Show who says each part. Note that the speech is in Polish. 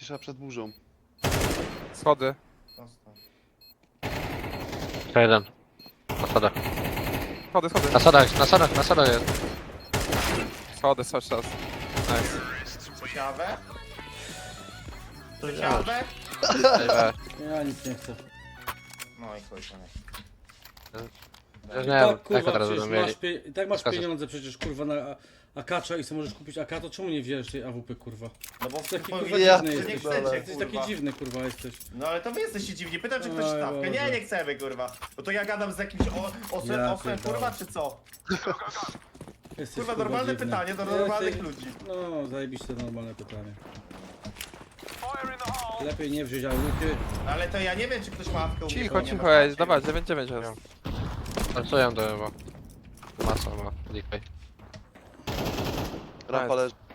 Speaker 1: Cisza przed burzą.
Speaker 2: Schody.
Speaker 3: Dostał.
Speaker 4: Jeszcze jeden. Na schodach.
Speaker 2: Schody, schody.
Speaker 4: Na schodach jest.
Speaker 2: Schody, cały czas. Nice.
Speaker 3: Ciekawe? Ciekawe?
Speaker 2: Ej,
Speaker 5: Ja nic nie chcę.
Speaker 3: No i chuj, to nie.
Speaker 4: Ja nie
Speaker 5: Tak
Speaker 4: wiem,
Speaker 5: kurwa,
Speaker 4: jak teraz
Speaker 5: przecież
Speaker 4: będą mieli.
Speaker 5: tak masz
Speaker 4: Skaczesz.
Speaker 5: pieniądze przecież kurwa na akacza i sobie możesz kupić AK, to czemu nie wziąłeś tej AWP kurwa?
Speaker 3: No bo
Speaker 5: Taki
Speaker 3: bo-
Speaker 5: kurwa
Speaker 1: Ja
Speaker 5: dziwny
Speaker 3: że nie
Speaker 5: jesteś.
Speaker 3: chcecie,
Speaker 5: Jesteś taki
Speaker 3: kurwa.
Speaker 5: dziwny kurwa jesteś.
Speaker 3: No ale to wy jesteście dziwni, pytam czy ktoś
Speaker 5: Oj,
Speaker 3: stawkę.
Speaker 5: Boże.
Speaker 3: Nie, nie chcemy kurwa. Bo to ja gadam z jakimś osłem,
Speaker 5: Ja
Speaker 3: osłem
Speaker 5: pierdolę.
Speaker 3: kurwa czy co?
Speaker 5: Jesteś
Speaker 3: Kurwa normalne
Speaker 5: dziwny.
Speaker 3: pytanie do
Speaker 5: Jesteś-
Speaker 3: normalnych ludzi.
Speaker 5: No, zajebiście normalne pytanie. Lepiej nie wziąć AWP.
Speaker 3: Ale to ja nie wiem czy ktoś ma ławkę u mnie, bo
Speaker 2: cicho,
Speaker 3: nie
Speaker 2: cicho,
Speaker 3: ma
Speaker 2: ej,
Speaker 3: żadnej.
Speaker 2: dawaj, 9-9 jest.
Speaker 4: Pracuję do chyba. Masa ma. Dikaj.
Speaker 1: Rampa leży.